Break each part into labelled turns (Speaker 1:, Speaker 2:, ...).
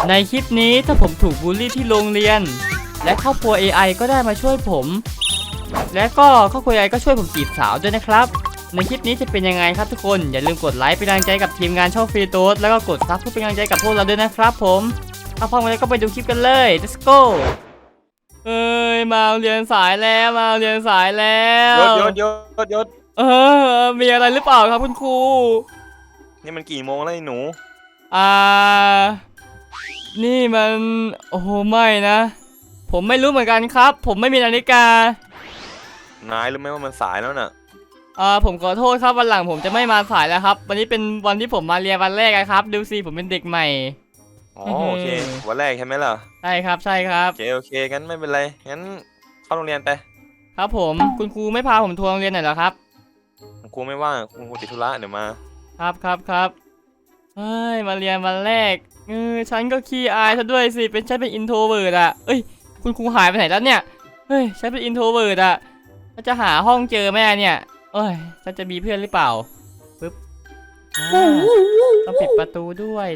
Speaker 1: ในคลิปนี้ถ้าผมถูกบูลลี่ที่โรงเรียนและครอบครัว AI ก็ได้มาช่วยผมและก็ครอบครัว AI ก็ช่วยผมจีบสาวด้วยนะครับในคลิปนี้จะเป็นยังไงครับทุกคนอย่าลืมกดไลค์เป็นกำลังใจกับทีมงานช่องฟรีโต๊ดแล้วก็กดซับเพื่อเป็นกำลังใจกับพวกเราด้วยนะครับผมถ้าพร้อมแล้วก็ไปดูคลิปกันเลย let's go เอ้ยมาเรียนสายแล้ว
Speaker 2: ยศ
Speaker 1: มีอะไรหรือเปล่าครับคุณครู
Speaker 2: นี่มันกี่โมงแล้วไอ้หนู
Speaker 1: อ่านี่มันโอ้โหไม่นะผมไม่รู้เหมือนกันครับผมไม่มีนาฬิกาน
Speaker 2: ายรู้ไหมว่ามันสายแล้วน่ะ
Speaker 1: ผมขอโทษครับวันหลังผมจะไม่มาสายแล้วครับวันนี้เป็นวันที่ผมมาเรียนวันแรกครับดูสิผมเป็นเด็กใหม่
Speaker 2: อ๋อโอเควันแรกใช่ไหมล่ะ
Speaker 1: ใช่ครับ
Speaker 2: โอเคงั้นไม่เป็นไรงั้นเข้าโรงเรียนไป
Speaker 1: ครับผมคุณครูไม่พาผมทัวร์โรงเรียนหน่อยเหรอครับ
Speaker 2: คุณครูไม่ว่างคุณครูติดธุระเดี๋ยวมา
Speaker 1: ครับเฮ้ยมาเรียนวันแรกฉันก็ขี้อายซะด้วยสิฉันเป็นอินโทรเวิร์ดอ่ะเอ้ยคุณครูหายไปไหนแล้วเนี่ยเฮ้ยฉันเป็นอินโทรเวิร์ดอ่ะจะหาห้องเจอไหมเนี่ยเอ้ยฉันจะมีเพื่อนหรือเปล่าปึ๊บต้องปิดประตูด้วย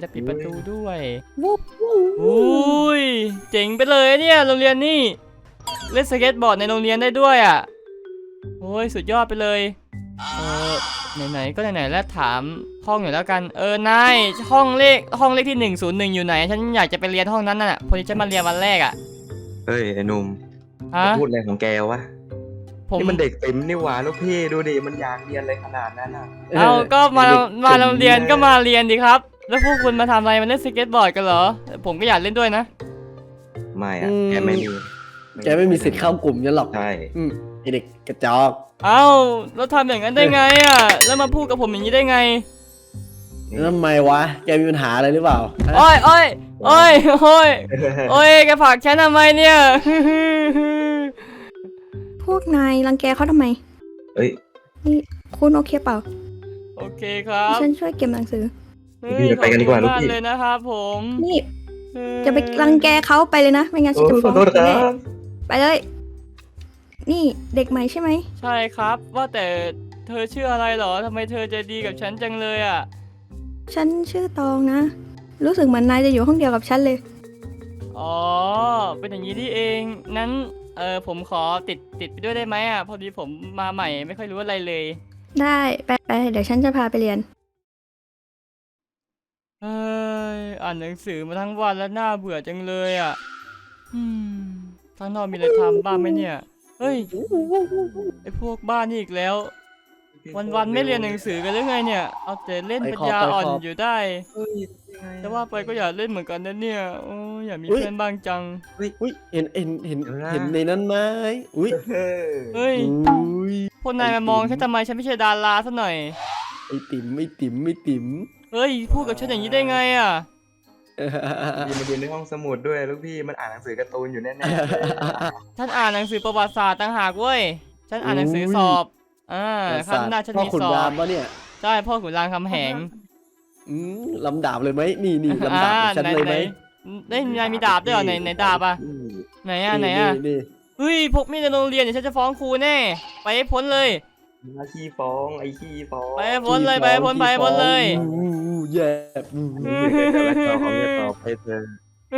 Speaker 1: อุ้ยเจ๋งไปเลยเนี่ยโรงเรียนนี่เล่นสเก็ตบอร์ดในโรงเรียนได้ด้วยอ่ะโอ้ยสุดยอดไปเลยไหนก็ไหนแล้วถามห้องอยู่แล้วกันนายห้องเลขที่101อยู่ไหนฉันอยากจะไปเรียนห้องนั้นน่ะพอดีฉันมาเรียนวันแรกอ่ะ
Speaker 3: เฮ้ยไอ้หนุ่มพูดอะไรของแกวะนี่มันเด็กเต็มนี่หว่าลูกพี่ดูดิมันอยากเรียนอะไรขนาดนั้นอ่ะ
Speaker 1: ก็มาโรงเรียนก็มาเรียนดิครับแล้วพวกคุณมาทำอะไรมาเล่นสเก็ตบอร์ดกันเหรอผมก็อยากเล่นด้วยนะ
Speaker 3: ไม่อะแกไม่มี
Speaker 4: สิทธิ์เข้ากลุ่มยันหรอก
Speaker 3: ใช่
Speaker 4: ไอเด็กกระจอก
Speaker 1: แล้วทำอย่างนั้นได้ไงอ่ะแล้วมาพูดกับผมอย่างนี้ได้ไง
Speaker 4: แล้วทำไมวะแกมีปัญหาอะไรหรือเปล่า
Speaker 1: โอ้ยแกผลักฉันทำไมเนี่ย
Speaker 5: พวกนายรังแกเขาทำไมนี่คุณโอเคเปล่า
Speaker 1: โอเคครับ
Speaker 5: ฉันช่วยเก็บหนังสือ
Speaker 3: ไปกันดีกว่าลูกพี่
Speaker 1: เลยนะครับผม
Speaker 5: นี่จะไปรังแกเขาไปเลยนะไม่งั้นฉันจะฟ้องแม่ไปเลยนี่เด็กใหม่ใช่ไหม
Speaker 1: ใช่ครับว่าแต่เธอชื่ออะไรหรอทำไมเธอจะดีกับฉันจังเลยอ่ะ
Speaker 5: ฉันชื่อตองนะรู้สึกเหมือนนายจะอยู่ห้องเดียวกับฉันเลย
Speaker 1: อ๋อเป็นอย่างนี้ที่เองนั้นผมขอติดไปด้วยได้ไหมอ่ะพอดีผมมาใหม่ไม่ค่อยรู้อะไรเลย
Speaker 5: ได้ไปเดี๋ยวฉันจะพาไปเรียน
Speaker 1: อ่านหนังสือมาทั้งวันแล้วน่าเบื่อจังเลยอ่ะข้างนอกมีอะไรทำบ้างไหมเนี่ยเฮ้ยไอพวกบ้านนี่อีกแล้ววันไม่เรียนหนังสือกันหรือไงเนี่ยเอาแต่เล่นปัญญาอ่อนอยู่ได้แต่ว่าไปก็อยากเล่นเหมือนกันนะเนี่ยโอ้อยากมีเพื่อนบ้างจัง
Speaker 4: เห็นในนั้นไหมเฮ้ย
Speaker 1: พวกนายมามองฉันทำไมฉันไม่ใช่ดาราซะหน่อย
Speaker 4: ไอติ๋ม
Speaker 1: เฮ้ยพูดกับฉันอย่างนี้ได้ไงอ่ะ
Speaker 3: มาเรียนในห้องสมุดด้วยลูกพี่มันอ่านหนังสือการ์ตูนอยู่แน่
Speaker 1: ๆฉันอ่านหนังสือประวัติศาสตร์ต่างหากเว้ยฉันอ่านหนังสือสอบข้างหน้าฉันมีสอบพ่อขุนราม
Speaker 4: ปะเนี่ย
Speaker 1: ใช่พ่อขุนรามคำแหง
Speaker 4: ลำดาบเลยไหมนี่ลำดาบฉันเลยไหม
Speaker 1: ได้นายมีดาบด้วยเหรอไหนดาบอ่ะไหนเฮ้ยพกมีดในโรงเรียนเดี๋ยวฉันจะฟ้องครูแน่ไปให้พ้นเลย
Speaker 3: ขี้ฟ้องไอ้ขี้ฟ้อง
Speaker 1: ไปพ้นเลย
Speaker 4: แย่
Speaker 3: ของจะตอบให้เธอ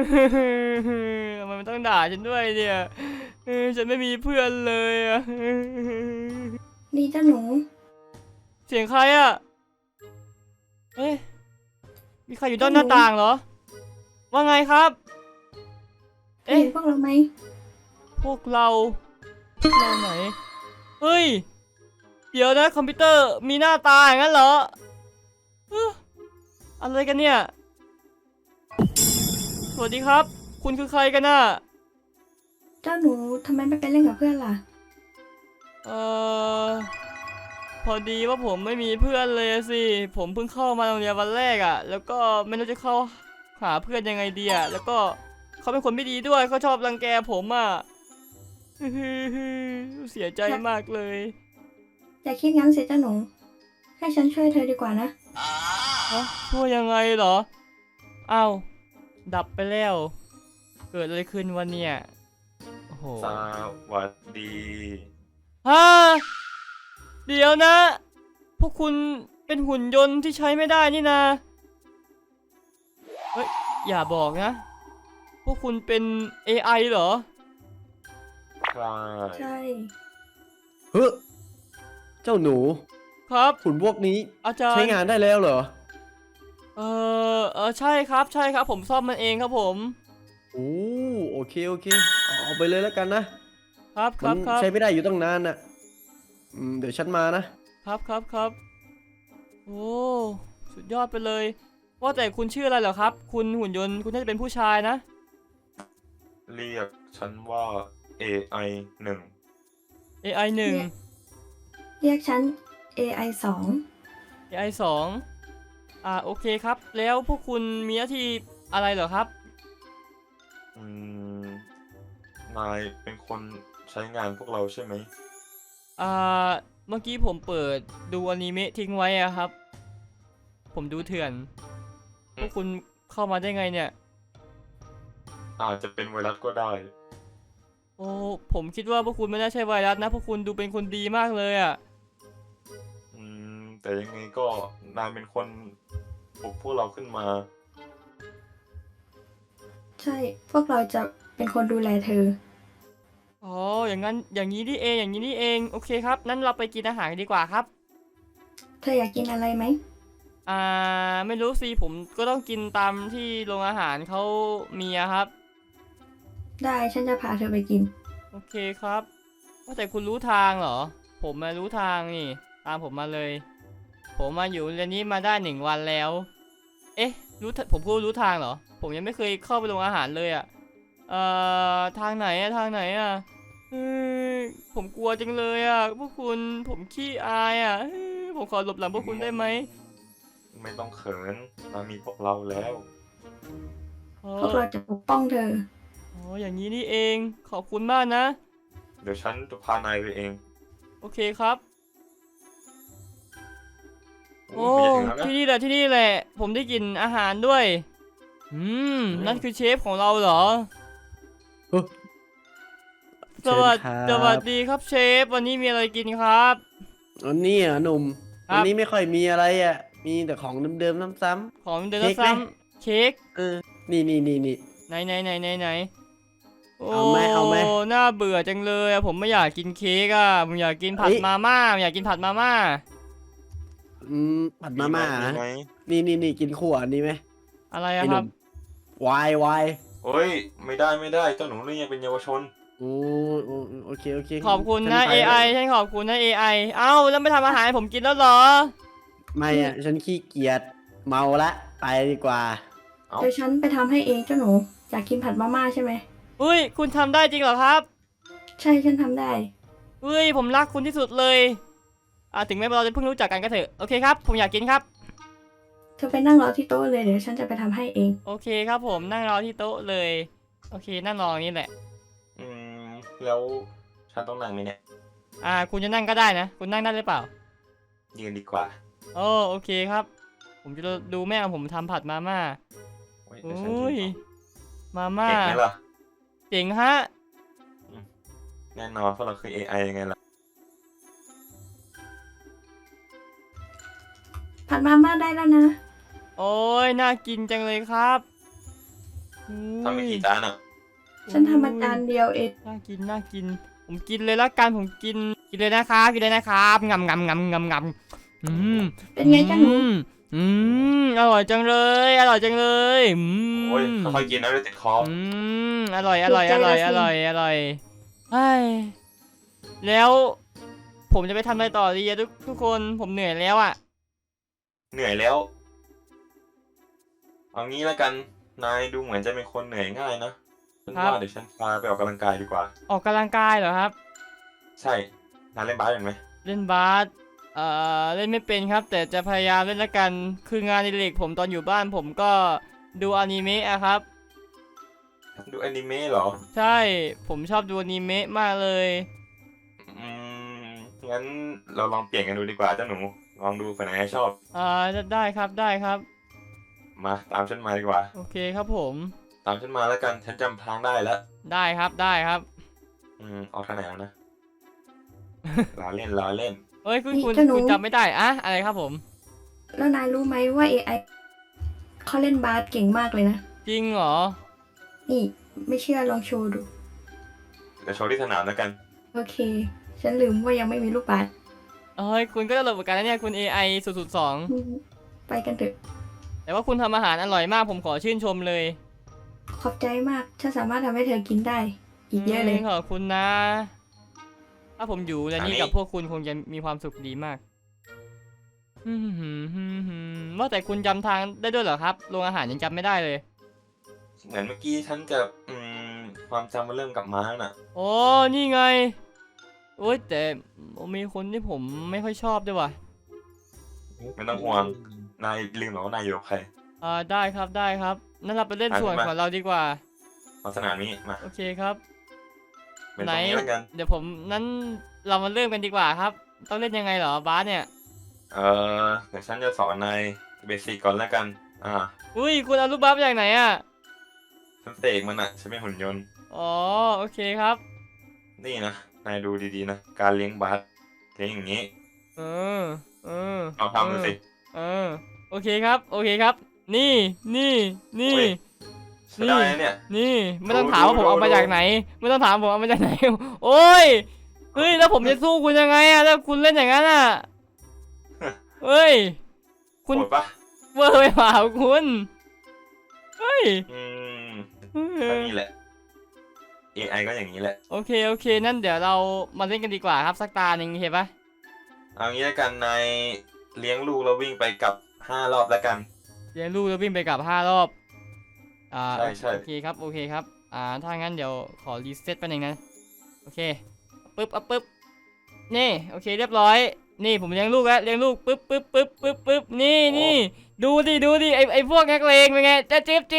Speaker 1: มันต้องด่าฉันด้วยเนี่ยฉันไม่มีเพื่อนเลยอ่ะ
Speaker 5: นี่เจ้าหนู
Speaker 1: เสียงใครอ่ะมีใครอยู่ด้านหน้าต่างเหรอว่าไงครับ
Speaker 5: พวกเราไหม
Speaker 1: พวกเราไหนเฮ้ยเดี๋ยวนะคอมพิวเตอร์มีหน้าตาอย่างนั้นเหรออะไรกันเนี่ยสวัสดีครับคุณคือใครกันน่ะ
Speaker 5: เจ้าหนูทำไมไม่ไปเล่นกับเพื่อนล่ะ
Speaker 1: พอดีว่าผมไม่มีเพื่อนเลยสิผมเพิ่งเข้ามาโรงเรียนวันแรกอ่ะแล้วก็ไม่รู้จะเข้าหาเพื่อนยังไงดีอ่ะแล้วก็เขาเป็นคนไม่ดีด้วยเขาชอบรังแกผมอ่ะเสียใจมากเลย
Speaker 5: อย่าคิดงั้นสิเจ้าหนูให้ฉันช่วยเธอดีกว่านะ
Speaker 1: ช่วยยังไงเหรออ้าวดับไปแล้วเกิดอะไรขึ้นวันเนี่ยโอ้โห
Speaker 2: สวัสดี
Speaker 1: เดี๋ยวนะพวกคุณเป็นหุ่นยนต์ที่ใช้ไม่ได้นี่นะเฮ้ยอย่าบอกนะ พวกคุณเป็น AI เหรอ
Speaker 2: ใช่
Speaker 5: ใช่
Speaker 4: เฮ้ยเจ้าหนู
Speaker 1: ครับ
Speaker 4: หุ่นพวกนี้
Speaker 1: อาจารย์
Speaker 4: ใช้งานได้แล้วเหรอ
Speaker 1: ใช่ครับใช่ครับผมซ่อมมันเองครับผม
Speaker 4: โอ้โอเคโอเคเอาไปเลยแล้วกันนะครับ
Speaker 1: ครั
Speaker 4: มั
Speaker 1: บครับ
Speaker 4: ใช้ไม่ได้อยู่ตั้งนานน่ะเดี๋ยวฉันมานะ
Speaker 1: ครับครับครับโอ้สุดยอดไปเลย ว่าแต่คุณชื่ออะไรเหรอครับ คุณหุ่นยนต์คุณน่าจะเป็นผู้ชายนะ
Speaker 2: เรียกฉันว่า AI 1
Speaker 1: AI 1
Speaker 5: เรียกฉัน AI 2
Speaker 1: AI 2โอเคครับ แล้วพวกคุณมีหน้าที่อะไรเหรอครับ
Speaker 2: อืมนายเป็นคนใช้งานพวกเราใช่ไหม
Speaker 1: เมื่อกี้ผมเปิดดูอนิเมะทิ้งไว้อะครับ ผมดูเถื่อน พวกคุณเข้ามาได้ไงเนี่ย
Speaker 2: อาจจะเป็นไวรัสก็ได้
Speaker 1: โอ้ผมคิดว่าพวกคุณไม่น่าใช่ไวรัสนะพวกคุณดูเป็นคนดีมากเลยอะ
Speaker 2: แต่ยังไงก็นายเป็นคนปลุกพวกเราขึ้นมา
Speaker 5: ใช่ พวกเราจะเป็นคนดูแลเธอ
Speaker 1: อ๋ออย่างนั้นอย่างนี้นี่เองอย่างนี้นี่เองโอเคครับนั้นเราไปกินอาหารกันดีกว่าครับ
Speaker 5: เธออยากกินอะไรไหม
Speaker 1: ไม่รู้สิผมก็ต้องกินตามที่โรงอาหารเขามีอะครับ
Speaker 5: ได้ฉันจะพาเธอไปกิน
Speaker 1: โอเคครับว่าแต่คุณรู้ทางเหรอ ผมมารู้ทางนี่ตามผมมาเลย ผมมาอยู่เรียนนี้มาได้1 วันแล้ว เอ๊ะผมก็รู้ทางเหรอ ผมยังไม่เคยเข้าไปโรงอาหารเลยอะทางไหนอะทางไหนอะเฮ้ยผมกลัวจังเลยอะพวกคุณผมขี้อายอะเฮ้ยผมขอหลบหลังพวกคุณได้ไหม
Speaker 2: ไม่ต้องเขินเรามีพวกเราแล้ว
Speaker 5: พวกเราจะปกป้องเธอ
Speaker 1: อ๋ออย่างนี้นี่เองขอบคุณมากนะ
Speaker 2: เดี๋ยวฉันจะพานายไปเอง
Speaker 1: โอเคครับ โอ้
Speaker 2: ไม่จะถึงแล้วนะ
Speaker 1: ที่นี่แหละที่นี่แหละ ผมได้กลิ่นอาหารด้วย นั่นคือเชฟของเราเหรอ
Speaker 4: เฮ้ย
Speaker 1: สวัส
Speaker 4: เชิญครับ
Speaker 1: สวัสดีครับเชฟ วันนี้มีอะไรกินครับ
Speaker 4: อันนี้อ่ะหนุ่ม
Speaker 1: ครับ
Speaker 4: วันนี้ไม่ค่อยมีอะไรอ่ะ มีแต่ของเดิมๆซ้ำ
Speaker 1: ของเดิน
Speaker 4: เค้กไหม
Speaker 1: ซ้ำเค้ก
Speaker 4: ๆนี่
Speaker 1: ไหนโอ้
Speaker 4: เอาไหม
Speaker 1: น่าเบื่อจังเลยอะผมไม่อยากกินเค้กอะผมอยากกินผัด
Speaker 4: เฮ้ย
Speaker 1: มาม่าอยากกินผัดมาม่า
Speaker 4: ผัดมาม่า
Speaker 2: ไห
Speaker 4: นะ
Speaker 2: ไหม
Speaker 4: นี่กินขั่วอันนี้ไหม
Speaker 1: อะไร
Speaker 4: ไอ้
Speaker 1: อะ
Speaker 4: ห
Speaker 1: ค
Speaker 4: นุ่
Speaker 1: รับ
Speaker 4: มวาย
Speaker 2: โอ้ยไม่ได้เจ้าหนูนี่ยังเป็นเยาวชน
Speaker 4: โอ้โอเค
Speaker 1: ขอบคุณนะ
Speaker 4: ฉัไป
Speaker 1: AI ฉันขอบคุณนะ AI เอ้าแล้วไม่ทำอาหารให้ผมกินแล้วเหรอ
Speaker 4: ไม่อ่ะ ฉันขี้เกียจเมาละ ไปดีกว่า
Speaker 2: เอ้า
Speaker 5: เดี๋ยวฉันไปทำให้เองเจ้าหนู อยากกินผัดมาม่าใช่ไหม
Speaker 1: อุ้ยคุณทำได้จริงเหรอครับ
Speaker 5: ใช่ฉันทำได้
Speaker 1: อุ้ยผมรักคุณที่สุดเลยถึงแม้เราจะเพิ่งรู้จักกันก็เถอะโอเคครับผมอยากกินครับ
Speaker 5: เธอไปนั่งรอที่โต๊ะเลยเดี๋ยวฉันจะไปทำให้เอง
Speaker 1: โอเคครับผมนั่งรอที่โต๊ะเลย โอเคนั่งรออย่างนี้แหละ
Speaker 2: แล้วฉันต้องนั่งไหมเนี่ย
Speaker 1: คุณจะนั่งก็ได้นะ คุณนั่งได้หรือเปล่า
Speaker 2: ยืนดีกว่า
Speaker 1: โอเคครับ ผมจะดูแม่ของผมทำผัดมาม่า
Speaker 2: โอ้ยเดี๋ยวฉัน
Speaker 1: อุ้ย
Speaker 2: กิน
Speaker 1: มา
Speaker 2: ต่อ
Speaker 1: ม่า
Speaker 2: เก่งไหมล่ะ
Speaker 1: เจ๋งฮะ
Speaker 2: แน่นอนเพราะเราคือ AI ยังไงล่ะ
Speaker 5: ผัดมาม่าได้แล้วนะ
Speaker 1: โอ้ยน่ากินจังเลยครับ
Speaker 2: ทำไปกี่จานอ่ะ
Speaker 5: ฉันทำมาจานเดียวเอง
Speaker 1: น่ากินผมกินเลยละกันผมกินเลยนะครับงำ
Speaker 5: เป็นไงจ้าหนู
Speaker 1: อร่อยจังเลยอร่อยจังเลย
Speaker 2: โอ้ยค่อยๆกินนะเดี๋ยวติดคอ
Speaker 1: อร่อยเฮ้ยแล้วผมจะไปทำอะไรต่อดีอะทุกคนผมเหนื่อยแล้วอะ
Speaker 2: เหนื่อยแล้ว เอางี้แล้วกัน นายดูเหมือนจะเป็นคนเหนื่อยง่ายนะฉันว่าเดี๋ยวฉันพาไปออกกำลังกายดีกว่า
Speaker 1: ออกกำลังกายเหรอครับ
Speaker 2: ใช่ นายเล่นบาสเป็นไหม
Speaker 1: เล่นบาสเล่นไม่เป็นครับ แต่จะพยายามเล่นละกันคืองานอดิเรกผมตอนอยู่บ้านผมก็ดูอนิเมะอะครับ
Speaker 2: ดูอนิเมะเหรอ
Speaker 1: ใช่ผมชอบดูอนิเมะมากเลย
Speaker 2: งั้นเราลองเปลี่ยนกันดูดีกว่าเจ้าหนู ลองดูคนไหนชอบ
Speaker 1: ได้ครับ
Speaker 2: มาตามฉันมาดีกว่า
Speaker 1: โอเคครับผม
Speaker 2: ตามฉันมาแล้วกัน ฉันจำทางได้แล้ว
Speaker 1: ได้ครับ
Speaker 2: ออกทางไหนแล้วนะ ล้อเล่น
Speaker 1: เอ้ยคุณ
Speaker 5: นี่เจ้าหนู
Speaker 1: จำไม่ได้อะไรครับผม
Speaker 5: แล้วนายรู้ไหมว่า AI เขาเล่นบาสเก่งมากเลยนะ
Speaker 1: จริงเหรอ
Speaker 5: นี่ไม่เชื่อลองโชว์ดู
Speaker 2: เดี๋ยวโชว์ที่สนามแล้วกัน
Speaker 5: โอเค ฉันลืมว่ายังไม่มีลูกบาศก์
Speaker 1: เอ้ยคุณก็ตลกเหมือนกันนะเนี่ยคุณ AI 002
Speaker 5: อืมไปกันเถอะ
Speaker 1: แต่ว่าคุณทำอาหารอร่อยมากผมขอชื่นชมเลย
Speaker 5: ขอบใจมากฉันสามารถทำให้เธอกินได้ อีกเยอะเลย
Speaker 1: ขอบคุณนะ ถ้าผมอยู่ในนี้
Speaker 2: อันนี้
Speaker 1: กับพวกคุณคงจะมีความสุขดีมากว่าแต่คุณจำทางได้ด้วยเหรอครับโรงอาหารยังจำไม่ได้เลย
Speaker 2: เหมือนเมื่อกี้ฉันจะความจำมันเริ่มกลับมาแล้วน่ะ
Speaker 1: โอ้นี่ไง โอ้ยแต่มีคนที่ผมไม่ค่อยชอบด้วยว่ะ
Speaker 2: ไม่ต้องห่วง นายลืมหรอว่านายอยู่กับใคร
Speaker 1: ได้ครับได้ครับนั่นเราไปเล่นส่วนของเราดีกว่า
Speaker 2: มาสนามนี้มา
Speaker 1: โอเคครับ
Speaker 2: เป็นตรงนี้แล้วกัน
Speaker 1: เดี๋ยวผมนั้นเรามาเริ่มกันดีกว่าครับ ต้องเล่นยังไงเหรอบาสเนี่ย
Speaker 2: เดี๋ยวฉันจะสอนนายเบสิกก่อนแล้วกัน
Speaker 1: อุ้ยคุณเอาลูกบาสมาจากไหนอ่ะ
Speaker 2: ฉันเสกมันอ่ะฉันเป็นหุ่นยนต์
Speaker 1: อ๋อโอเคครับ
Speaker 2: นี่นะ นายดูดีๆนะ การเลี้ยงบาสเลี้ยงอย่างนี้
Speaker 1: เออเออ
Speaker 2: ลองทำดูสิ
Speaker 1: เออโอเคครับโอเคครับ นี่นี่
Speaker 2: โอ้ย ใช้ได้นะเนี่ย
Speaker 1: นี่ไม่ต้อง
Speaker 2: ดู
Speaker 1: ถามว่าผม
Speaker 2: ดู
Speaker 1: เอามา
Speaker 2: ดู
Speaker 1: จากไหน ไม่ต้องถามผมเอามาจากไหน โอ้ยเฮ้ยแล้วผมจะสู้คุณยังไงอะแล้วคุณเล่นอย่างนั้นอะเฮ้ยคุณ
Speaker 2: โหดปะ
Speaker 1: เวอร์ไปเปล่าคุณเฮ้ย
Speaker 2: ก็นี่แหละ AI ก็อย่างนี้แหละ
Speaker 1: โอเคโอเคนั่นเดี๋ยวเรามาเล่นกันดีกว่าครับสักตาหนึ่งเห็นปะ
Speaker 2: เอางี้แล้วกันนายเลี้ยงลูกแล้ววิ่งไปกลับ5 รอบแล้วกัน
Speaker 1: เลี้ยงลูกแล้ววิ่งไปกลับ5 รอบ
Speaker 2: ใช่
Speaker 1: โอเคครับโอเคครับถ้างั้นเดี๋ยวขอรีเซ็ตแป๊บนึงนะโอเคปึ๊บปึ๊บนี่โอเคเรียบร้อยนี่ผมเลี้ยงลูกแล้วเลี้ยงลูกปึ๊บนี่ดูดิไอพวกนักเลงเป็นไงจะจิ๊บ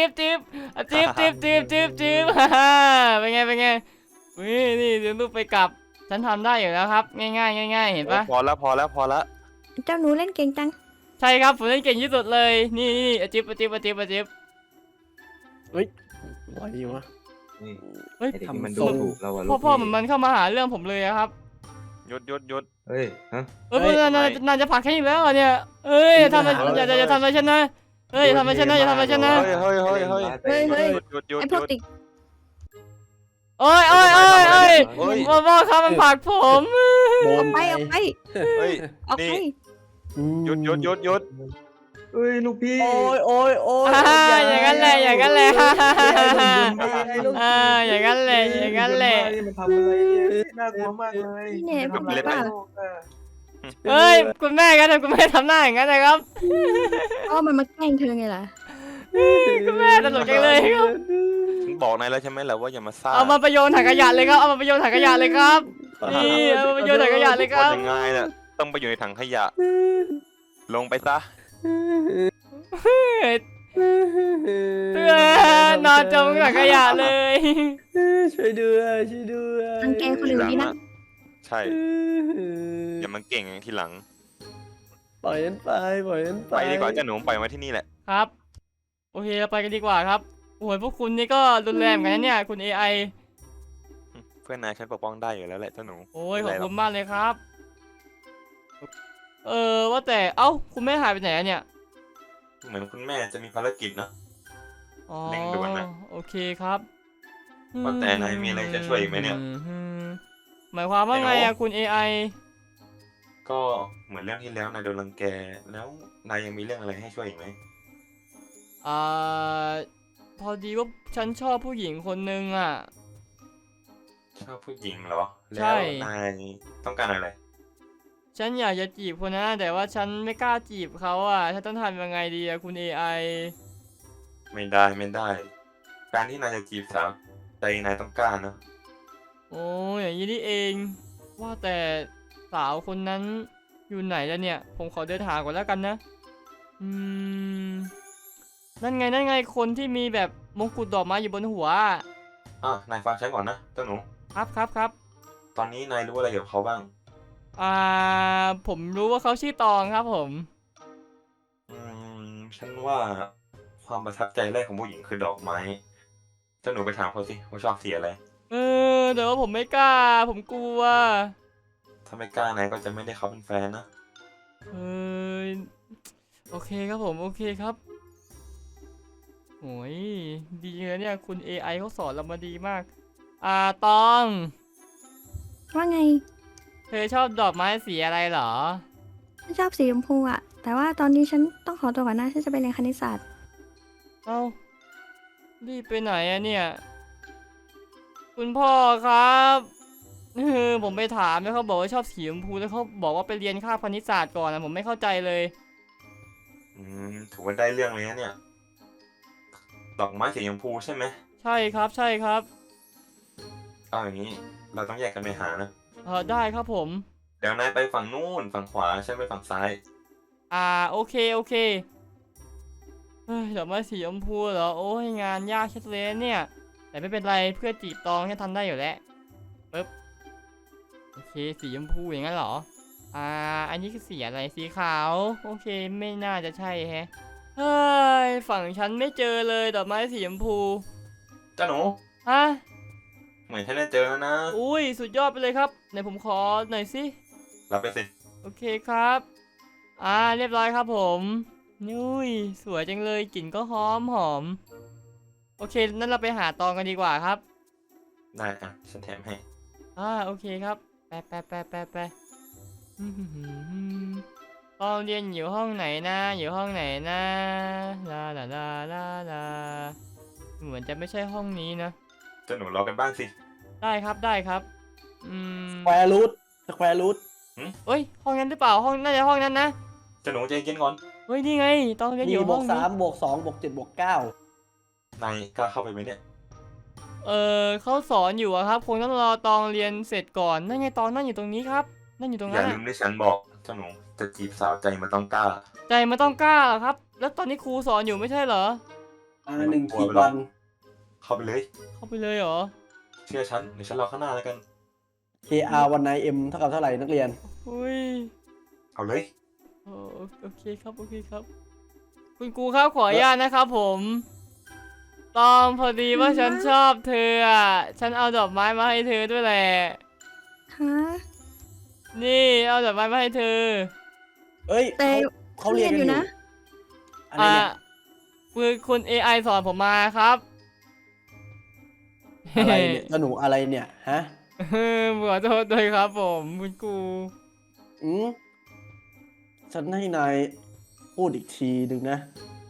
Speaker 1: ฮ่าฮ่าเป็นไงนี่เลี้ยงลูกไปกลับฉันทำได้อยู่แล้วครับง่ายเห็นปะ
Speaker 2: พอแล้ว
Speaker 5: เจ้าหนูเล่นเก่งจัง
Speaker 1: ใช่ครับผมเล่นเก่งที่สุดเลยนี่อะจิ๊บ
Speaker 4: ไหวอยู่วะ
Speaker 3: นี่
Speaker 1: เฮ้ย
Speaker 3: ไอ้เด็ก
Speaker 4: ทำ
Speaker 3: นี่มัน
Speaker 4: ทร
Speaker 3: ดู
Speaker 4: ง
Speaker 3: ถูกเราอะ
Speaker 1: พ่อ
Speaker 3: ลูก
Speaker 1: พ่อ
Speaker 3: พี่
Speaker 1: มันเข้ามาหาเรื่องผมเลยอะครับ
Speaker 2: หยุด
Speaker 3: เฮ้ยฮะ
Speaker 1: เฮ้ยนายจะผลักแค่อีกแล้วเหรอเนี่ยเอ้ยทำอะไรอย่าทำอะไรฉันนะเฮ้ยอย่าทำอะไรฉันนะอย่าทำอะไรฉันนะ
Speaker 2: เฮ้ย
Speaker 5: เฮ้ย
Speaker 2: หยุด
Speaker 5: ไอพวกติด
Speaker 1: โอ้ย
Speaker 2: เฮ้ย
Speaker 1: พ่อครับมันผลักผม
Speaker 4: โดน
Speaker 5: ไปออกไป
Speaker 2: เฮ้ย
Speaker 5: ออกไป
Speaker 2: นี่ หยุด
Speaker 3: เฮ้ยลูกพี่
Speaker 4: โอ้ย
Speaker 1: อย่างนั้นแหละอย่างนั้นแหละอย่างนั้นแหละ
Speaker 3: มันทำอะไรเนี่ยน่ากลัวมากเลย
Speaker 5: นี่เนี่ยพวก
Speaker 2: เล็บ
Speaker 5: ป้า
Speaker 1: เฮ้ยคุณแม่ครับคุณแม่ทำหน้าอย่างนั้นนะครับ
Speaker 5: ก็มันมาแกล้งเธอไงล่ะ
Speaker 1: คุณแม่ตลกจังเลยครับ
Speaker 2: ฉันบอกนายแล้วใช่ไหมล่ะว่าอย่ามาซ่า
Speaker 1: เอามาประโยชน์ถังขยะเลยครับเอามาประโยชน์ถังขยะเลยครับนี่เอามาประโยชน์ถังขยะเลยครับ
Speaker 2: ยังไงน่ะต้องไปอยู่ในถังขยะ ลงไปซะ
Speaker 1: เพื่อนอนจมถังขยะเลย
Speaker 4: ช่วยด้วย
Speaker 5: รังแกคนอื่นดีนะ
Speaker 2: ใช่อย่ามาเก่งอย่างทีหลัง
Speaker 4: ปล่อยฉันไป
Speaker 2: ไปดีกว่าเจ้าหนูปล่อยไว้ที่นี่แหละ
Speaker 1: ครับโอเคเราไปกันดีกว่าครับโอ้ยพวกคุณนี่ก็รุนแรงเหมือนกันนะเนี่ยคุณ AI
Speaker 2: เพื่อนนายฉันปกป้องได้อยู่แล้วแหละเจ้าหนู
Speaker 1: โอ้ยขอบคุณมากเลยครับ ว่าแต่เอ้าคุณแม่หายไปไหนอะเนี่ย
Speaker 2: เหมือนคุณแม่จะมีภารกิจนะ
Speaker 1: อ๋อ
Speaker 2: เร่งด่วนนะ
Speaker 1: โอเคครับ
Speaker 2: ว่าแต่นายมีอะไรจะช่วยอีกไหมเนี่ย
Speaker 1: หมายความว่าไงอะคุณ AI
Speaker 2: ก็เหมือนเรื่องที่แล้วนายโดนรังแก แล้วนายยังมีเรื่องอะไรให้ช่วยอีกไหม
Speaker 1: พอดีว่าฉันชอบผู้หญิงคนนึงอะ
Speaker 2: ชอบผู้หญิงเหรอ
Speaker 1: ใช่
Speaker 2: แล้วนายต้องการอะไร
Speaker 1: ฉันอยากจะจีบคนนั้นแต่ว่าฉันไม่กล้าจีบเขาอะฉันต้องทำยังไงดีอะคุณ AI
Speaker 2: ไม่ได้ การที่นายจะจีบสาวใจนายต้องกล้านะ
Speaker 1: โอ้ยอย่างนี้นี่เอง ว่าแต่สาวคนนั้นอยู่ไหนแล้วเนี่ย ผมขอเดินหาก่อนแล้วกันนะนั่นไงคนที่มีแบบมงกุฎดอกไม้อยู่บนหัว
Speaker 2: นายฟังฉันก่อนนะเจ้าหนู
Speaker 1: ครับ
Speaker 2: ตอนนี้นายรู้อะไรเกี่ยวกับเขาบ้าง
Speaker 1: ผมรู้ว่าเขาชื่อตองครับผม
Speaker 2: ฉันว่าความประทับใจแรกของผู้หญิงคือดอกไม้ เจ้าหนูไปถามเขาสิว่าชอบสีอะไร
Speaker 1: แต่ว่าผมไม่กล้า ผมกลัว
Speaker 2: ถ้าไม่กล้านายก็จะไม่ได้เขาเป็นแฟนนะ
Speaker 1: โอเคครับผมโอเคครับโอ้ยดีเลยเนี่ยคุณ AI เขาสอนเรามาดีมาก ตอง
Speaker 5: ว่าไง
Speaker 1: เธอชอบดอกไม้สีอะไรเหรอ
Speaker 5: ฉันชอบสีชมพูอะแต่ว่าตอนนี้ฉันต้องขอตัวก่อนนะฉันจะไปเรียนคณิตศาสตร์
Speaker 1: เอ้ารีบไปไหนอะเนี่ย คุณพ่อครับผมไปถามแล้วเขาบอกว่าชอบสีชมพูแล้วเขาบอกว่าไปเรียนคาบคณิตศาสตร์ก่อนนะผมไม่เข้าใจเลย
Speaker 2: ถือว่าได้เรื่องเลยนะเนี่ย ดอกไม้สีชมพูใช่ไหม
Speaker 1: ใช่ครับใช่ครับ
Speaker 2: เอาอย่างนี้ เราต้องแยกกันไปหานะ
Speaker 1: ได้ครับผม
Speaker 2: เดี๋ยวนายไปฝั่งนู้นฝั่งขวาฉันไปฝั่งซ้าย
Speaker 1: โอเคโอเคเฮ้ยดอกไม้สีชมพูเหรอโอ้ยงานยากเช็ดเลยเนี่ยแต่ไม่เป็นไรเพื่อจีบตองแค่ทำได้อยู่แล้วปึ๊บโอเคสีชมพูอย่างนั้นเหรออันนี้คือสีอะไรสีขาวโอเคไม่น่าจะใช่แฮะเฮ้ยฝั่งฉันไม่เจอเลยดอกไม้สีชมพู
Speaker 2: เจ้าหนู
Speaker 1: ฮะ
Speaker 2: เหมือนฉันได้เจอแล้วนะ
Speaker 1: อุ้ยสุดยอดไปเลยครับไหนผมขอหน่อยสิ
Speaker 2: รับไปสิ
Speaker 1: โอเคครับเรียบร้อยครับผมนุ้ยสวยจังเลยกลิ่นก็หอมหอมโอเคนั่นเราไปหาตองกันดีกว่าครับ
Speaker 2: ได้อ่ะฉันแถมให้
Speaker 1: โอเคครับไปตองเรียนอยู่ห้องไหนนะอยู่ห้องไหนนะลาลาลาลาลาเหมือนจะไม่ใช่ห้องนี้นะ
Speaker 2: เจ้าหนูรอกันบ้างสิ
Speaker 1: ได้ครับได้ครับ
Speaker 4: สแควร์รูทสแควร์รูท
Speaker 1: เอ้ยห้องนั้นหรือเปล่าห้องน่าจะห้องนั้นนะ
Speaker 2: เจ้าหนูใจเย็นก่อน
Speaker 1: เฮ้ยนี่ไงตองเรียนอยู่
Speaker 4: นี่บ
Speaker 1: ห้
Speaker 4: ว
Speaker 1: อก ง
Speaker 4: สา
Speaker 1: นี้
Speaker 4: มบวกสองบวกเจ็ดบวกเก้าน
Speaker 2: ายกล้าเข้าไปไหมเนี่ย
Speaker 1: เขาสอนอยู่อะครับคงต้องรอตองเรียนเสร็จก่อนนั่นไงตองนั่งอยู่ตรงนี้ครับนั่งอยู่ตรง
Speaker 2: อ
Speaker 1: นั้
Speaker 2: ย่าน ลื
Speaker 1: อะ
Speaker 2: มที่ฉันบอก เจ้าหนูจะจีบสาวใจมันต้องกล้า
Speaker 1: ใจมันต้องกล้าเหรอครับ แล้วตอนนี้ครูสอนอยู่ไม่ใช่เหรอ
Speaker 4: หนึ่งขีดวัน
Speaker 2: เข้าไปเลย
Speaker 1: เข้าไปเลยเหรอ
Speaker 2: เชื่อฉันเดี๋ยวฉันรอข้างหน้าแล้วกัน
Speaker 4: KR วันไนเอ็มเท่ากับเท่าไหร่นักเรียน
Speaker 1: อุ้ย
Speaker 2: เอาเลย
Speaker 1: โอเคครับโอเคครับ คุณครูครับขออนุญาตนะครับผมตองพอดีว่าฉันชอบเธออ่ะฉันเอาดอกไม้มาให้เธอด้วยแหละ
Speaker 5: ฮะ
Speaker 1: นี่เอาดอกไม้มาให้เธอ
Speaker 4: เอ้ย
Speaker 5: แต่
Speaker 4: เขาเรียนกันอยู่
Speaker 5: นะ
Speaker 4: อะไรเนี่ย
Speaker 1: คือคุณ AI สอนผมมาครับ
Speaker 4: อะไรเนี่ยเจ้าหนูอะไรเนี่ยฮะ
Speaker 1: ขอโทษด้วยครับผมคุณครู
Speaker 4: ฉันให้นายพูดอีกทีหนึ่งนะ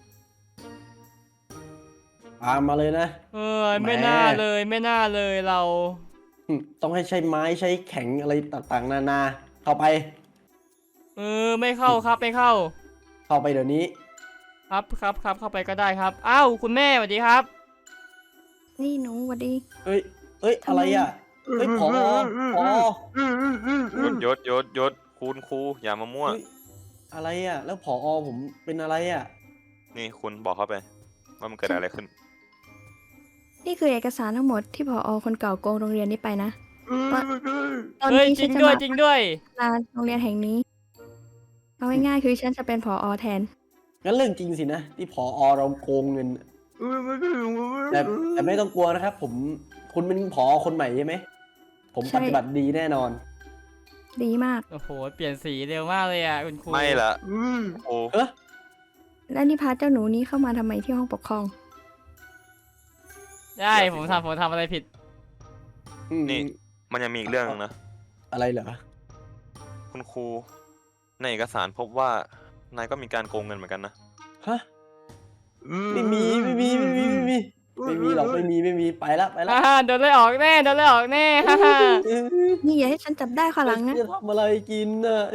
Speaker 4: ตามมาเลยนะ
Speaker 1: ไม่น่าเลยไม่น่าเลยเรา
Speaker 4: ต้องให้ใช้ไม้ใช้แข็งอะไรต่างๆ นานา เข้าไป
Speaker 1: ไม่เข้าครับไม่เข้า
Speaker 4: เข้าไปเดี๋ยวนี้
Speaker 1: ครับเข้าไปก็ได้ครับอ้าวคุณแม่สวัสดีครับ
Speaker 5: นี่หนูสวัสดี
Speaker 4: เอ้ย อะไรอ่ะ เอ้ยพอ
Speaker 2: ยศคุณครูอย่ามามั่ว
Speaker 4: เฮ้ยอะไรอ่ะ แล้วผอผมเป็นอะไรอ่ะ
Speaker 2: นี่คุณบอกเขาไป ว่ามันเกิดอะไรขึ้น
Speaker 5: นี่คือเอกสารทั้งหมดที่ผอคนเก่าโกงโรงเรียนนี้ไปนะตอน
Speaker 1: เฮ้ย
Speaker 5: นี้
Speaker 1: จริ
Speaker 5: ฉัน
Speaker 1: ง
Speaker 5: จะ
Speaker 1: ด้วย
Speaker 5: มา
Speaker 1: จริงด้วย
Speaker 5: ลาโรงเรียนแห่งนี้เอาง่ายๆคือฉันจะเป็นผอแทน
Speaker 4: งั้นเรื่องจริงสินะ ที่ผอเราโกงเงิน แต่ไม่ต้องกลัวนะครับ คุณเป็นผอคนใหม่ใช่ไหม ผม
Speaker 5: ใช่
Speaker 4: ปฏิบัติดีแน่นอน
Speaker 5: ดีมาก
Speaker 1: โอ้โหเปลี่ยนสีเร็วมากเลยอ่ะคุณครู
Speaker 2: ไม่ละโอ้
Speaker 4: เอ๊ะ
Speaker 5: แล้วนี่พาเจ้าหนูนี้เข้ามาทำไมที่ห้องปกครอง
Speaker 1: ได้ผมทำอะไรผิด
Speaker 2: นี่มันยังมีอีกเรื่องนึงนะ
Speaker 4: อะไรเหรอ
Speaker 2: คุณครูในเอกสารพบว่านายก็มีการโกงเงินเหมือนกันนะ
Speaker 4: ฮะ ไม่มีหรอกไม่มีไปละ
Speaker 1: โดนไล่ออกแน่ฮ่าฮ่า
Speaker 5: นี่อย่าให้ฉันจับได้ข้างหลังนะ
Speaker 4: จะทำอะไรกินน่ะ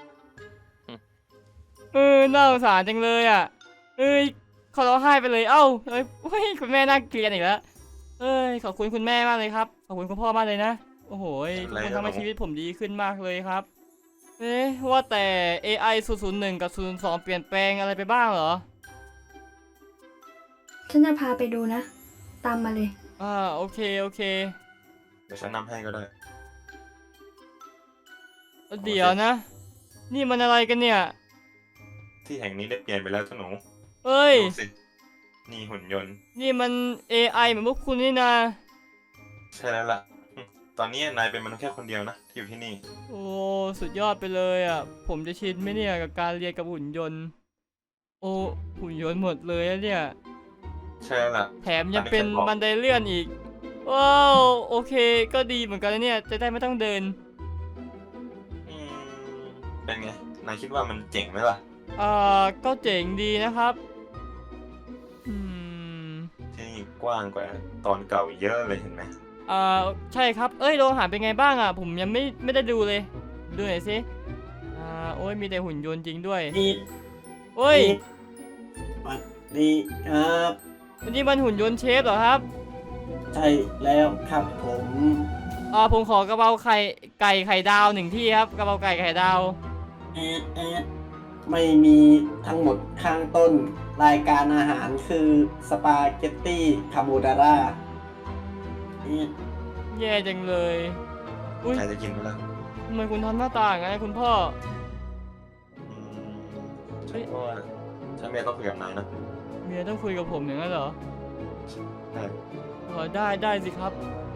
Speaker 1: น่าสงสารจังเลยอ่ะเขาร้องไห้ไปเลยเอ้าเฮ้ยคุณแม่น่าเกลียดอีกแล้วขอบคุณคุณแม่มากเลยครับขอบคุณคุณพ่อมากเลยนะโอ้โหทุกคนทำให้ชีวิตผมดีขึ้นมากเลยครับว่าแต่ AI 001 กับ 002 เปลี่ยนแปลงอะไรไปบ้างเหรอ
Speaker 5: ฉันจะพาไปดูนะ ตามมาเลย
Speaker 1: โอเค
Speaker 2: เดี๋ยวฉันนำให้ก็ได้
Speaker 1: เดี๋ยวนะ นี่มันอะไรกันเนี่ย
Speaker 2: ที่แห่งนี้ได้เปลี่ยนไปแล้วเจ้าหนู
Speaker 1: เอ้ย
Speaker 2: ดูสินี่หุ่นยนต์
Speaker 1: นี่มัน AI เหมือนพวกคุณนี่นะ
Speaker 2: ใช่แล้วล่ะ ตอนนี้นายเป็นมนุษย์แค่คนเดียวนะที่อยู่ที่นี่
Speaker 1: โอ้สุดยอดไปเลยอ่ะผมจะชินไหมเนี่ยกับการเรียนกับหุ่นยนต์โอ้หุ่นยนต์หมดเลยอะเนี่ย
Speaker 2: ใช่แล้วล่ะ
Speaker 1: แถมยังเป็นบันไดเลื่อนอีก ว้าว โอเค ก็ดีเหมือนกันนะเนี่ย จะได้ไม่ต้องเดิน
Speaker 2: อืมเป็นไง นายคิดว่ามันเจ๋งไหมล่ะ
Speaker 1: ก็เจ๋งดีนะครับ อืม
Speaker 2: ที่นี่กว้างกว่าตอนเก่าเยอะเลยเห็นไหม
Speaker 1: ใช่ครับ เอ้ยโรงอาหารเป็นไงบ้างอ่ะ ผมยังไม่ได้ดูเลย ดูหน่อยสิ โอ้ยมีแต่หุ่นยนต์จริงด้วย
Speaker 4: นี่
Speaker 1: โอ้ย
Speaker 4: นี่ครับ
Speaker 1: วันนี้มันหุ่นยนต์เชฟเหรอครับ
Speaker 4: ใช่แล้วครับผม
Speaker 1: ผมขอกระเพราไก่ไข่ดาวหนึ่งที่ครับกระเพราไก่ไข่ดาว
Speaker 4: แอดไม่มีทั้งหมดข้างต้นรายการอาหารคือสปาเกตตี้คาโบนาร่า
Speaker 1: แย่จังเลยอุ้ย
Speaker 2: นายจะกินไหมล่ะ
Speaker 1: ทำไมคุณทำหน้าตาอย่างนั้นคุณพ่อ
Speaker 2: อืมฉันก็ว่าฉันไม่ต้องคุยกับนายนะ
Speaker 1: เมียต้องคุยกับผมอย่างนั้นเหรอ
Speaker 2: ใช่
Speaker 1: ได้สิครับ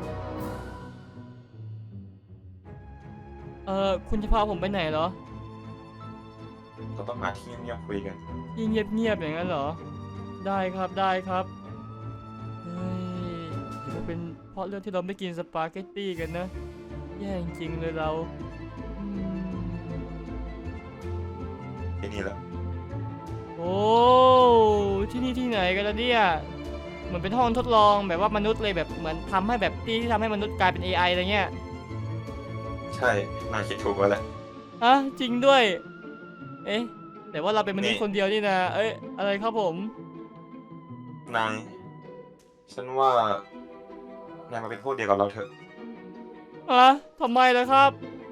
Speaker 1: คุณจะพาผมไปไหนเหรอ
Speaker 2: เราต้องหาที่เงียบๆคุยกัน
Speaker 1: ยิ่งเงียบๆอย่างนั้นเหรอ ได้ครับเฮ้ยหรือว่าเป็นเพราะเรื่องที่เราไม่กินสปาเกตตี้กันนะ แย่จริงๆเลยเราอืม
Speaker 2: ที่นี่แหละ
Speaker 1: โอ้ที่นี่ที่ไหนกันล่ะเนี่ยเหมือนเป็นห้องทดลองแบบว่ามนุษย์เลยแบบเหมือนทำให้แบบที่ทำให้มนุษย์กลายเป็น AI อะไรเงี้ย
Speaker 2: ใช่ นายคิดถูกแล้วแหละ
Speaker 1: จริงด้วย เอ๊ะแต่ว่าเราเป็นมนุษย์
Speaker 2: นี่
Speaker 1: คนเดียวนี่นะเอ้ยอะไรครับผม
Speaker 2: นาย ฉันว่านายมาเป็นพวกเดียวกับเราเถอะ
Speaker 1: ทำไมล่ะครับ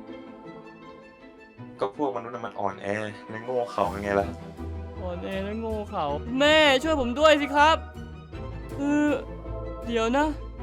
Speaker 2: ก็พวกมนุษย์น่ะมันอ่อนแอและโง่เขลาไงล่ะ
Speaker 1: อ่อนแอและโง่เขาแม่ช่วยผมด้วยสิครับเดี๋ยวนะ